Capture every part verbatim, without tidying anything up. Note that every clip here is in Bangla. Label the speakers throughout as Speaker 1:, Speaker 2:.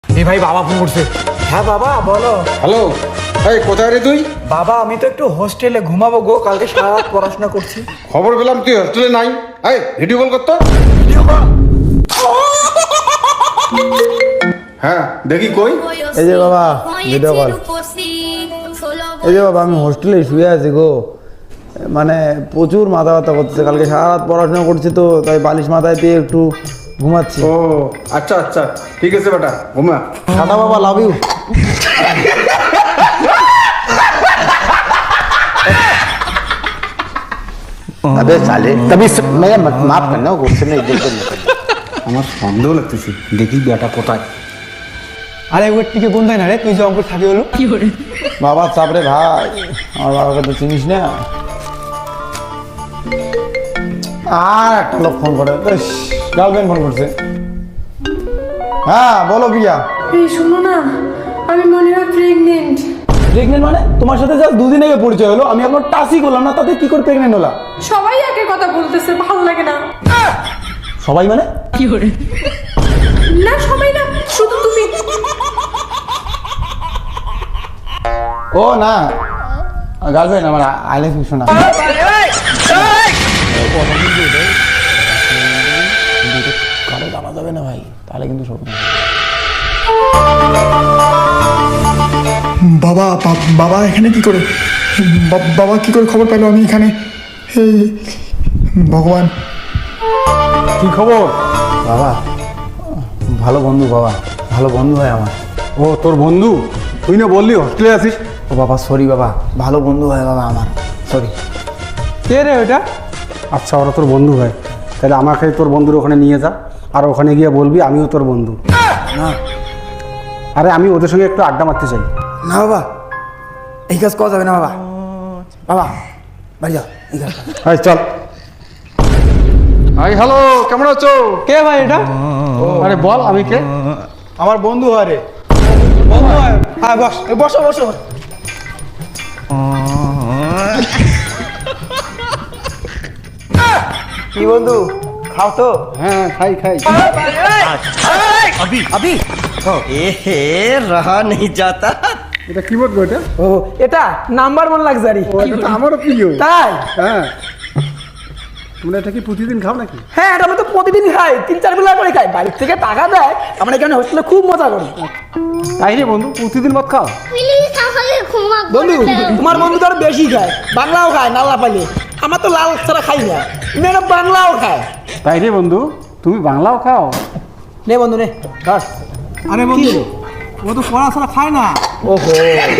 Speaker 1: এই ভাই বাবা ফোন করছে।
Speaker 2: হ্যাঁ বাবা বলো।
Speaker 3: হ্যালো, এই কোথায় রে তুই?
Speaker 2: বাবা আমি তো একটু হোস্টেলে ঘুমাবো গো, কালকে সারা রাত পড়াশোনা করছি।
Speaker 3: খবর পেলাম তুই হোস্টেলে নাই। এই ভিডিও কল করতো। হ্যাঁ দেখি কই।
Speaker 4: এই যে বাবা ভিডিও কল। এই যে বাবা আমি হোস্টেলে শুয়ে আছি গো, মানে প্রচুর মাথা ব্যথা করতেছে, কালকে সারা রাত পড়াশোনা করছি তো তাই বালিশ মাথায় দিয়ে একটু ঘুমাচ্ছি।
Speaker 3: ও আচ্ছা আচ্ছা ঠিক আছে বেটা, ঘুমা।
Speaker 4: টাটা বাবা, লাভ ইউ।
Speaker 5: अबे साले तभी मैं माफ करना गुस्से में इज्जत करना।
Speaker 3: আমার সন্দেহ লাগতেছে, দেখি বেটা কোথায়।
Speaker 1: আরে ওর টিকে কোনটাই না রে, তুই যে অঙ্কুর থাকি হলো
Speaker 4: বাবা চাপরে ভাই, আমার বাবাকে তো চিনিস না। আর একটা লোক ফোন করে, গার্লফ্রেন্ড ফোন করছে। হ্যাঁ বলো প্রিয়া।
Speaker 6: এই শোনো না, আমি মনে হয় প্রেগনেন্ট।
Speaker 4: প্রেগনেন্ট মানে? তোমার সাথে জাস্ট দুদিন আগে পরিচয় হলো, আমি এখন টাচই করলাম না, তাতে কি করে প্রেগনেন্ট হলা?
Speaker 6: সবাই একের কথা বলতেছে, ভালো লাগে না।
Speaker 4: সবাই মানে?
Speaker 6: না সবাই না, শুধু তুমি।
Speaker 4: ও না, গার্লফ্রেন্ড আমার, আই লাভ ইউ শোনা। কারো জানা যাবে না ভাই, তাহলে কিন্তু সব।
Speaker 7: বাবা বা- বাবা এখানে কি করে? বা- বাবা কি করে খবর পেলো আমি এখানে? হে ভগবান।
Speaker 4: কি খবর? বাবা ভালো বন্ধু, বাবা ভালো বন্ধু হয় আমার।
Speaker 3: ও তোর বন্ধু? তুই না বললি হোস্টেলে আছিস?
Speaker 4: ও বাবা সরি বাবা, ভালো বন্ধু হয় বাবা আমার, সরি।
Speaker 1: কে রে ওটা?
Speaker 3: আচ্ছা ওরা তোর বন্ধু হয়, তাহলে আমাকে তোর বন্ধুর ওখানে নিয়ে যা, আর ওখানে গিয়ে বলবি আমিও তোর বন্ধু।
Speaker 4: না
Speaker 3: আরে আমি ওদের সঙ্গে একটু আড্ডা মারতে চাই।
Speaker 4: না বাবা, এই কাজ করা যাবে না বাবা। বাবা বাড়ি যাও, এই কাজ।
Speaker 3: এই চল। হাই হ্যালো, কেমন আছো?
Speaker 1: কে ভাই এটা?
Speaker 3: আরে বল আমি কে?
Speaker 4: আমার বন্ধু হয় রে।
Speaker 1: বন্ধু হয়। হ্যাঁ বস, এই বসো বসো।
Speaker 2: কি বন্ধু খাও তো?
Speaker 3: হ্যাঁ খাই খাই।
Speaker 5: अभी अभी ए रहा नहीं जाता।
Speaker 3: এটা কি বলবো এটা?
Speaker 2: ও এটা নাম্বার ওয়ান লাক্সারি।
Speaker 3: ও এটা তো আমারও প্রিয়।
Speaker 2: তাই?
Speaker 3: হ্যাঁ, তোমরা এটা কি প্রতিদিন খাও নাকি?
Speaker 2: হ্যাঁ এটা আমি তো প্রতিদিন খাই, তিন চার বেলা করে খাই, বাড়ির থেকে টাকা দেয়, আমরা এখানে হোস্টেলে খুব মজা করি।
Speaker 3: তাই রে বন্ধু, প্রতিদিন মত খাও?
Speaker 2: বন্ধু তোমার বন্ধু তো আরো বেশি খায়, বাংলাও খায় নাল্লা পালে, আমার তো লাল ছাড়া খাই না, মেয়েরা বাংলাও খায়।
Speaker 3: তাই রে বন্ধু, তুমি বাংলাও খাও?
Speaker 2: নে বন্ধু নে ধর।
Speaker 1: আরে বন্ধু ও তো পড়াশোনা খায় না।
Speaker 2: ওহো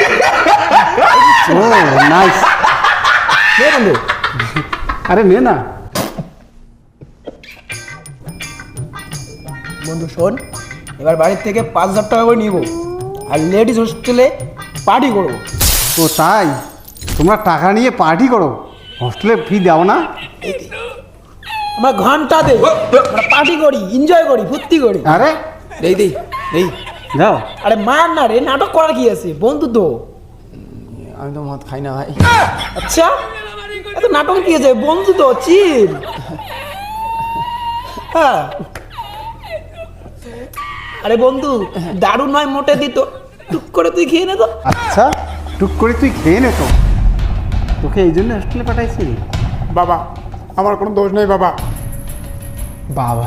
Speaker 3: ও নাইস।
Speaker 2: নে বন্ধু।
Speaker 3: আরে নে না।
Speaker 2: বন্ধু শোন, এবার বাড়ির থেকে পাঁচ হাজার টাকা করে নিব, আর লেডিস হোস্টেলে পার্টি করবো।
Speaker 3: ও তাই? তোমরা টাকা নিয়ে পার্টি করো, হোস্টেলে ফি দাও না?
Speaker 2: আমরা ঘন্টা দেই, আমরা পার্টি করি, এনজয় করি, ফুর্তি করি।
Speaker 3: আরে
Speaker 2: দেই দেই দেই।
Speaker 3: যাও।
Speaker 2: আরে মার না রে, নাটক করার কি আছে, বন্ধু তো।
Speaker 4: আমি তো মদ খাই না ভাই।
Speaker 2: আচ্ছা এত নাটক কি আছে, বন্ধু তো, চিল। হ্যাঁ আরে বন্ধু দারুণ নয়, মোটে দিত, টুক করে তুই খেয়ে নে তো।
Speaker 3: আচ্ছা টুক করে তুই খেয়ে নে তো, তোকে এই জন্য হোস্টেলে পাঠাইছি।
Speaker 7: বাবা আমার কোনো দোষ নেই বাবা।
Speaker 4: বাবা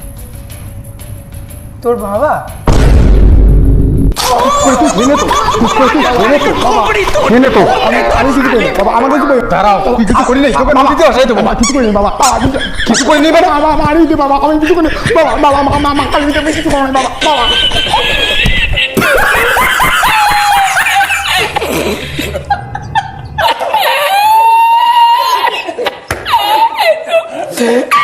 Speaker 2: তোর বাবা?
Speaker 3: খেয়ে নে তো।
Speaker 7: আমি কিছু করি বাবা, আমাকে কিছু করি।
Speaker 3: দাঁড়াও, তুই কিছু করি নাই, তোকে মাটিতে আসাই দেবো।
Speaker 7: বাবা কিছু করি না বাবা, বাবা, কিছু- কিছু করি নি বাবা, বাবা মারি দে বাবা, আমি কিছু করি না। বাবা বাবা মা মা মা আমি কিছু করি না বাবা, বাবা।